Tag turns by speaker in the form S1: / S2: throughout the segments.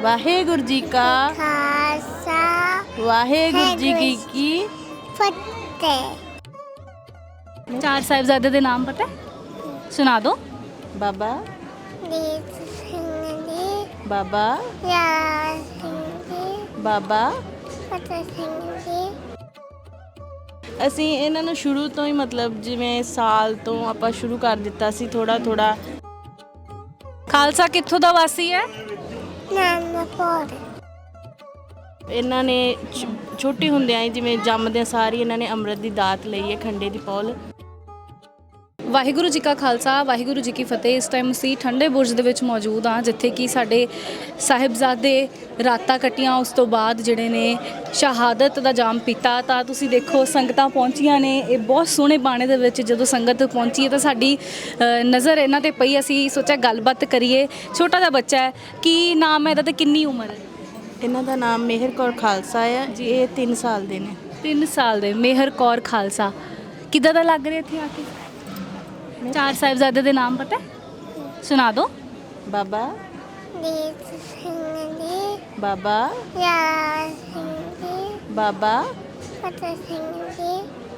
S1: ਵਾਹਿਗੁਰੂ ਜੀ ਕਾ
S2: ਖਾਲਸਾ
S1: ਵਾਹਿਗੁਰੂ ਜੀ ਕੀ
S2: ਫਤਿਹ।
S3: ਚਾਰ ਸਾਹਿਬਜ਼ਾਦੇ ਦੇ ਨਾਮ ਪਤਾ ਹੈ? ਸੁਣਾ ਦਿਓ।
S1: ਬਾਬਾ
S2: ਦੀਪ ਸਿੰਘ ਜੀ,
S1: ਬਾਬਾ
S2: ਯਾਰ ਸਿੰਘ ਜੀ,
S1: ਬਾਬਾ
S2: ਫਤਿਹ ਸਿੰਘ ਜੀ।
S1: ਅਸੀਂ ਇਹਨਾਂ ਨੂੰ ਸ਼ੁਰੂ ਤੋਂ ਹੀ ਮਤਲਬ ਜਿਵੇਂ ਸਾਲ ਤੋਂ ਆਪਾਂ ਸ਼ੁਰੂ ਕਰ ਦਿੱਤਾ ਸੀ ਥੋੜਾ ਥੋੜਾ।
S3: ਖਾਲਸਾ ਕਿੱਥੋਂ ਦਾ ਵਾਸੀ ਹੈ?
S2: ਨਾਨਕਪੁਰ
S1: ਇਹਨਾਂ ਨੇ ਛੋਟੇ ਹੁੰਦਿਆਂ ਹੀ ਜਿਵੇਂ ਜੰਮਦਿਆਂ ਸਾਰੀ ਇਹਨਾਂ ਨੇ ਅੰਮ੍ਰਿਤ ਦੀ ਦਾਤ ਲਈ ਹੈ, ਖੰਡੇ ਦੀ ਪੌਲ।
S3: ਵਾਹਿਗੁਰੂ ਜੀ ਕਾ ਖਾਲਸਾ ਵਾਹਿਗੁਰੂ ਜੀ ਕੀ ਫਤਿਹ। ਇਸ ਟਾਈਮ ਅਸੀਂ ਠੰਡੇ ਬੁਰਜ ਦੇ ਵਿੱਚ ਮੌਜੂਦ ਹਾਂ, ਜਿੱਥੇ ਕਿ ਸਾਡੇ ਸਾਹਿਬਜ਼ਾਦੇ ਰਾਤਾਂ ਕੱਟੀਆਂ, ਉਸ ਤੋਂ ਬਾਅਦ ਜਿਹੜੇ ਨੇ ਸ਼ਹਾਦਤ ਦਾ ਜਾਮ ਪੀਤਾ। ਤਾਂ ਤੁਸੀਂ ਦੇਖੋ ਸੰਗਤਾਂ ਪਹੁੰਚੀਆਂ ਨੇ। ਇਹ ਬਹੁਤ ਸੋਹਣੇ ਬਾਣੇ ਦੇ ਵਿੱਚ ਜਦੋਂ ਸੰਗਤ ਪਹੁੰਚੀ ਹੈ ਤਾਂ ਸਾਡੀ ਨਜ਼ਰ ਇਹਨਾਂ ਤੇ ਪਈ। ਅਸੀਂ ਸੋਚਿਆ ਗੱਲਬਾਤ ਕਰੀਏ। ਛੋਟਾ ਜਿਹਾ ਬੱਚਾ ਹੈ, ਕੀ ਨਾਮ ਹੈ ਇਹਦਾ ਤੇ ਕਿੰਨੀ ਉਮਰ ਹੈ?
S1: ਇਹਨਾਂ ਦਾ ਨਾਮ ਮੇਹਰ ਕੌਰ ਖਾਲਸਾ ਹੈ ਜੀ। ਇਹ 3 ਸਾਲ ਦੇ ਨੇ।
S3: 3 ਸਾਲ ਦੇ ਮੇਹਰ ਕੌਰ ਖਾਲਸਾ। ਕਿੱਦਾਂ ਦਾ ਲੱਗ ਰਿਹਾ ਇੱਥੇ ਆ ਕੇ? ਚਾਰ ਸਾਹਿਬਜ਼ਾਦੇ ਦੇ ਨਾਮ ਪਤਾ ਹੈ? ਸੁਣਾ ਦਿਓ।
S1: ਬਾਬਾ
S2: ਦੀਪ ਸਿੰਘ ਜੀ,
S1: ਬਾਬਾ
S2: ਯਾਰ ਸਿੰਘ ਜੀ,
S1: ਬਾਬਾ
S2: ਫਤਿਹ ਸਿੰਘ ਜੀ।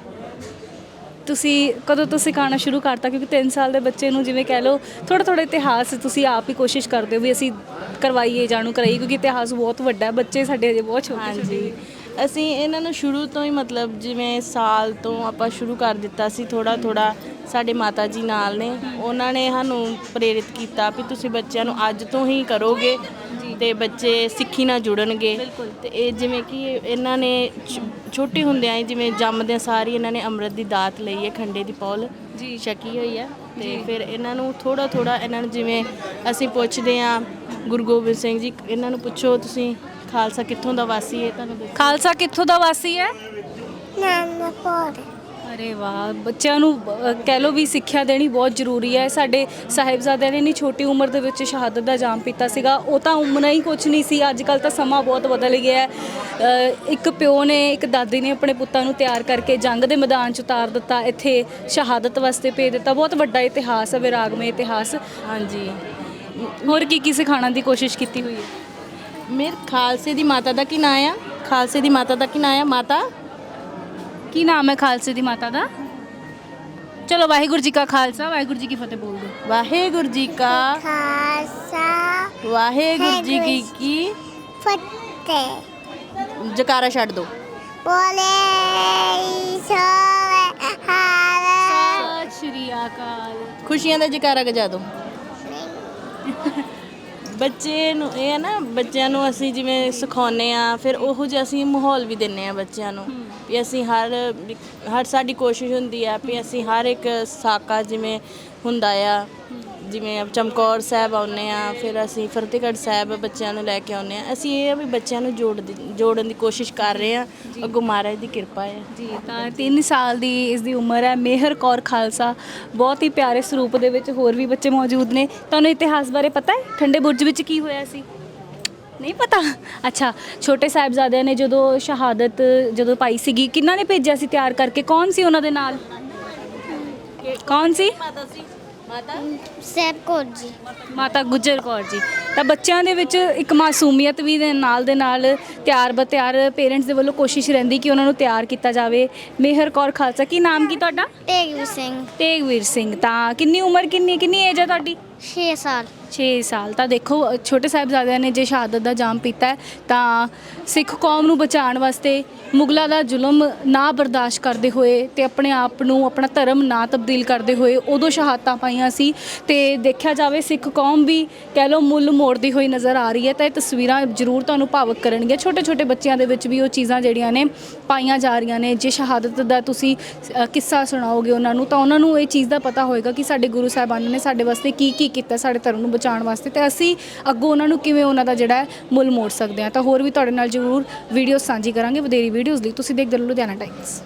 S3: ਤੁਸੀਂ ਕਦੋਂ ਤੋਂ ਸਿਖਾਉਣਾ ਸ਼ੁਰੂ ਕਰਤਾ? ਕਿਉਂਕਿ 3 ਸਾਲ ਦੇ ਬੱਚੇ ਨੂੰ ਜਿਵੇਂ ਕਹਿ ਲਓ ਥੋੜ੍ਹਾ ਥੋੜ੍ਹਾ ਇਤਿਹਾਸ ਤੁਸੀਂ ਆਪ ਹੀ ਕੋਸ਼ਿਸ਼ ਕਰਦੇ ਹੋ ਵੀ ਅਸੀਂ ਕਰਵਾਈਏ, ਜਾਣੂ ਕਰਾਈਏ, ਕਿਉਂਕਿ ਇਤਿਹਾਸ ਬਹੁਤ ਵੱਡਾ ਹੈ। ਬੱਚੇ ਸਾਡੇ ਅਜੇ ਬਹੁਤ ਛੋਟੇ
S1: ਹਾਂਜੀ, ਅਸੀਂ ਇਹਨਾਂ ਨੂੰ ਸ਼ੁਰੂ ਤੋਂ ਹੀ ਮਤਲਬ ਜਿਵੇਂ ਸਾਲ ਤੋਂ ਆਪਾਂ ਸ਼ੁਰੂ ਕਰ ਦਿੱਤਾ ਸੀ ਥੋੜਾ ਥੋੜਾ। ਸਾਡੇ ਮਾਤਾ ਜੀ ਨਾਲ ਨੇ, ਉਹਨਾਂ ਨੇ ਸਾਨੂੰ ਪ੍ਰੇਰਿਤ ਕੀਤਾ ਵੀ ਤੁਸੀਂ ਬੱਚਿਆਂ ਨੂੰ ਅੱਜ ਤੋਂ ਹੀ ਕਰੋਗੇ ਤੇ ਬੱਚੇ ਸਿੱਖੀ ਨਾਲ ਜੁੜਨਗੇ। ਤੇ ਇਹ ਜਿਵੇਂ ਕਿ ਇਹਨਾਂ ਨੇ ਛੋਟੇ ਹੁੰਦਿਆਂ ਹੀ ਜਿਵੇਂ ਜੰਮਦਿਆਂ ਸਾਰੀ ਇਹਨਾਂ ਨੇ ਅੰਮ੍ਰਿਤ ਦੀ ਦਾਤ ਲਈ ਹੈ, ਖੰਡੇ ਦੀ ਪੌਲ
S3: ਜੀ
S1: ਛਕੀ ਹੋਈ ਹੈ। ਤੇ ਫਿਰ ਇਹਨਾਂ ਨੂੰ ਥੋੜਾ ਥੋੜਾ ਇਹਨਾਂ ਨੂੰ ਜਿਵੇਂ ਅਸੀਂ ਪੁੱਛਦੇ ਹਾਂ ਗੁਰੂ ਗੋਬਿੰਦ ਸਿੰਘ ਜੀ, ਇਹਨਾਂ ਨੂੰ ਪੁੱਛੋ ਤੁਸੀਂ ਖਾਲਸਾ ਕਿੱਥੋਂ ਦਾ ਵਾਸੀ ਹੈ, ਤੁਹਾਨੂੰ ਦੱਸੋ।
S3: ਖਾਲਸਾ ਕਿੱਥੋਂ ਦਾ ਵਾਸੀ ਹੈ?
S2: ਨਾਨਕਪੁਰ
S3: ਅਰੇ ਵਾਹ, ਬੱਚਿਆਂ ਨੂੰ ਕਹਿ ਲਓ ਵੀ ਸਿੱਖਿਆ ਦੇਣੀ ਬਹੁਤ ਜ਼ਰੂਰੀ ਹੈ। ਸਾਡੇ ਸਾਹਿਬਜ਼ਾਦਿਆਂ ਨੇ ਇੰਨੀ ਛੋਟੀ ਉਮਰ ਦੇ ਵਿੱਚ ਸ਼ਹਾਦਤ ਦਾ ਜਾਮ ਪੀਤਾ ਸੀਗਾ। ਉਹ ਤਾਂ ਉਮਰਾਂ ਹੀ ਕੁਛ ਨਹੀਂ ਸੀ। ਅੱਜ ਕੱਲ੍ਹ ਤਾਂ ਸਮਾਂ ਬਹੁਤ ਬਦਲ ਗਿਆ ਹੈ। ਇੱਕ ਪਿਓ ਨੇ, ਇੱਕ ਦਾਦੀ ਨੇ ਆਪਣੇ ਪੁੱਤਾਂ ਨੂੰ ਤਿਆਰ ਕਰਕੇ ਜੰਗ ਦੇ ਮੈਦਾਨ 'ਚ ਉਤਾਰ ਦਿੱਤਾ, ਇੱਥੇ ਸ਼ਹਾਦਤ ਵਾਸਤੇ ਭੇਜ ਦਿੱਤਾ। ਬਹੁਤ ਵੱਡਾ ਇਤਿਹਾਸ ਹੈ, ਵਿਰਾਗਮਈ ਇਤਿਹਾਸ।
S1: ਹਾਂਜੀ,
S3: ਹੋਰ ਕੀ ਕੀ ਸਿਖਾਉਣ ਦੀ ਕੋਸ਼ਿਸ਼ ਕੀਤੀ ਹੋਈ ਹੈ?
S1: ਮੇਰੇ ਖਾਲਸੇ ਦੀ ਮਾਤਾ ਦਾ ਕੀ ਨਾਂ ਆ? ਖਾਲਸੇ ਦੀ ਮਾਤਾ ਦਾ ਕੀ ਨਾਂ ਆ? ਮਾਤਾ
S3: ਕੀ ਨਾਮ ਹੈ ਖਾਲਸੇ ਦੀ ਮਾਤਾ ਦਾ? ਚਲੋ ਵਾਹਿਗੁਰੂ ਜੀ ਕਾ ਖਾਲਸਾ ਵਾਹਿਗੁਰੂ ਜੀ ਕੀ ਫਤਿਹ ਬੋਲ ਦਿਓ।
S1: ਵਾਹਿਗੁਰੂ ਜੀ ਕਾ
S2: ਖਾਲਸਾ
S1: ਵਾਹਿਗੁਰੂ ਜੀ ਕੀ
S2: ਫਤਿਹ।
S1: ਜਕਾਰਾ ਛੱਡ ਦੋ।
S2: ਬੋਲੇ ਸੋਹਣੇ ਹਾਲ।
S3: ਸਤਿ ਸ਼੍ਰੀ ਅਕਾਲ।
S1: ਖੁਸ਼ੀਆਂ ਦਾ ਜਕਾਰਾ ਗਜਾ ਦੋ। ਬੱਚੇ ਨੂੰ ਇਹ ਹੈ ਨਾ, ਬੱਚਿਆਂ ਨੂੰ ਅਸੀਂ ਜਿਵੇਂ ਸਿਖਾਉਂਦੇ ਆ, ਫਿਰ ਉਹੋ ਜਿਹਾ ਅਸੀਂ ਮਾਹੌਲ ਵੀ ਦਿੰਦੇ ਆ ਬੱਚਿਆਂ ਨੂੰ ਵੀ ਅਸੀਂ ਹਰ ਸਾਡੀ ਕੋਸ਼ਿਸ਼ ਹੁੰਦੀ ਆ ਵੀ ਅਸੀਂ ਹਰ ਇੱਕ ਸਾਕਾ ਜਿਵੇਂ ਹੁੰਦਾ ਆ, ਜਿਵੇਂ ਚਮਕੌਰ ਸਾਹਿਬ ਆਉਂਦੇ ਆ, ਫਿਰ ਅਸੀਂ ਫਤਿਹਗੜ੍ਹ ਸਾਹਿਬ ਬੱਚਿਆਂ ਨੂੰ ਲੈ ਕੇ ਆਉਂਦੇ ਆ। ਅਸੀਂ ਇਹ ਆ ਵੀ ਬੱਚਿਆਂ ਨੂੰ ਜੋੜਨ ਦੀ ਕੋਸ਼ਿਸ਼ ਕਰ ਰਹੇ ਆ। ਅੱਗੋਂ ਮਹਾਰਾਜ ਦੀ ਕਿਰਪਾ ਹੈ
S3: ਜੀ। ਤਾਂ 3 ਸਾਲ ਦੀ ਇਸ ਦੀ ਉਮਰ ਹੈ। ਮੇਹਰ ਕੌਰ ਖਾਲਸਾ ਬਹੁਤ ਹੀ ਪਿਆਰੇ ਸਰੂਪ ਦੇ ਵਿੱਚ। ਹੋਰ ਵੀ ਬੱਚੇ ਮੌਜੂਦ ਨੇ। ਤੁਹਾਨੂੰ ਇਤਿਹਾਸ ਬਾਰੇ ਪਤਾ ਹੈ? ਠੰਡੇ ਬੁਰਜ ਵਿੱਚ ਕੀ ਹੋਇਆ ਸੀ? ਨਹੀਂ ਪਤਾ? ਅੱਛਾ, ਛੋਟੇ ਸਾਹਿਬਜ਼ਾਦਿਆਂ ਨੇ ਜਦੋਂ ਸ਼ਹਾਦਤ ਪਾਈ ਸੀਗੀ, ਕਿਹਨਾਂ ਨੇ ਭੇਜਿਆ ਸੀ ਤਿਆਰ ਕਰਕੇ? ਕੌਣ ਸੀ ਉਹਨਾਂ ਦੇ ਨਾਲ? ਕੌਣ ਸੀ?
S1: ਮਾਤਾ ਸੀ। ਮਾਤਾ
S2: ਸਾਹਿਬ ਕੌਰ ਜੀ।
S3: ਮਾਤਾ ਗੁਜਰ ਕੌਰ ਜੀ। ਤਾਂ ਬੱਚਿਆਂ ਦੇ ਵਿੱਚ ਇੱਕ ਮਾਸੂਮੀਅਤ ਵੀ ਦੇ ਨਾਲ ਤਿਆਰ ਪੇਰੈਂਟਸ ਦੇ ਵੱਲੋਂ ਕੋਸ਼ਿਸ਼ ਰਹਿੰਦੀ ਕਿ ਉਹਨਾਂ ਨੂੰ ਤਿਆਰ ਕੀਤਾ ਜਾਵੇ। ਮੇਹਰ ਕੌਰ ਖਾਲਸਾ। ਕੀ ਨਾਮ ਕੀ ਤੁਹਾਡਾ?
S2: ਤੇਗਵੀਰ ਸਿੰਘ।
S3: ਤੇਗਵੀਰ ਸਿੰਘ। ਤਾਂ ਕਿੰਨੀ ਉਮਰ, ਕਿੰਨੀ ਏਜ ਹੈ ਤੁਹਾਡੀ?
S2: 6 ਸਾਲ।
S3: 6 ਸਾਲ। ਤਾਂ ਦੇਖੋ ਛੋਟੇ ਸਾਹਿਬਜ਼ਾਦਿਆਂ ਨੇ ਜੇ ਸ਼ਹਾਦਤ ਦਾ ਜਾਮ ਪੀਤਾ ਹੈ ਤਾਂ ਸਿੱਖ ਕੌਮ ਨੂੰ ਬਚਾਉਣ ਵਾਸਤੇ, ਮੁਗਲਾਂ ਦਾ ਜ਼ੁਲਮ ਨਾ ਬਰਦਾਸ਼ਤ ਕਰਦੇ ਹੋਏ ਤੇ ਆਪਣੇ ਆਪ ਨੂੰ, ਆਪਣਾ ਧਰਮ ਨਾ ਤਬਦੀਲ ਕਰਦੇ ਹੋਏ ਉਦੋਂ ਸ਼ਹਾਦਤਾਂ ਪਾਈਆਂ ਸੀ। ਤੇ ਦੇਖਿਆ ਜਾਵੇ ਸਿੱਖ ਕੌਮ ਵੀ ਕਹਿ ਲਓ ਮੁੱਲ ਮੋੜਦੀ ਹੋਈ ਨਜ਼ਰ ਆ ਰਹੀ ਹੈ। ਤਾਂ ਇਹ ਤਸਵੀਰਾਂ ਜ਼ਰੂਰ ਤੁਹਾਨੂੰ ਭਾਵੁਕ ਕਰਨਗੀਆਂ। ਛੋਟੇ ਛੋਟੇ ਬੱਚਿਆਂ ਦੇ ਵਿੱਚ ਵੀ ਉਹ ਚੀਜ਼ਾਂ ਜਿਹੜੀਆਂ ਨੇ ਪਾਈਆਂ ਜਾ ਰਹੀਆਂ ਨੇ। ਜੇ ਸ਼ਹਾਦਤ ਦਾ ਤੁਸੀਂ ਕਿੱਸਾ ਸੁਣਾਓਗੇ ਉਹਨਾਂ ਨੂੰ ਤਾਂ ਉਹਨਾਂ ਨੂੰ ਇਹ ਚੀਜ਼ ਦਾ ਪਤਾ ਹੋਏਗਾ ਕਿ ਸਾਡੇ ਗੁਰੂ ਸਾਹਿਬਾਨ ਨੇ ਸਾਡੇ ਵਾਸਤੇ ਕੀ ਕੀ ਕੀਤਾ, ਸਾਡੇ ਧਰਮ ਨੂੰ ਬਚਾਉਣ ਵਾਸਤੇ, ਤੇ ਅਸੀਂ ਅੱਗੋਂ ਉਹਨਾਂ ਨੂੰ ਕਿਵੇਂ ਉਹਨਾਂ ਦਾ ਜਿਹੜਾ ਮੁੱਲ ਮੋੜ ਸਕਦੇ ਹਾਂ। ਤਾਂ ਹੋਰ ਵੀ ਤੁਹਾਡੇ ਨਾਲ ਜ਼ਰੂਰ ਵੀਡੀਓ ਸਾਂਝੀ ਕਰਾਂਗੇ। ਵਧੇਰੀ ਵੀਡੀਓਜ਼ ਲਈ ਤੁਸੀਂ ਦੇਖਦੇ ਰਹੋ ਲੁਧਿਆਣਾ ਟਾਈਮਸ।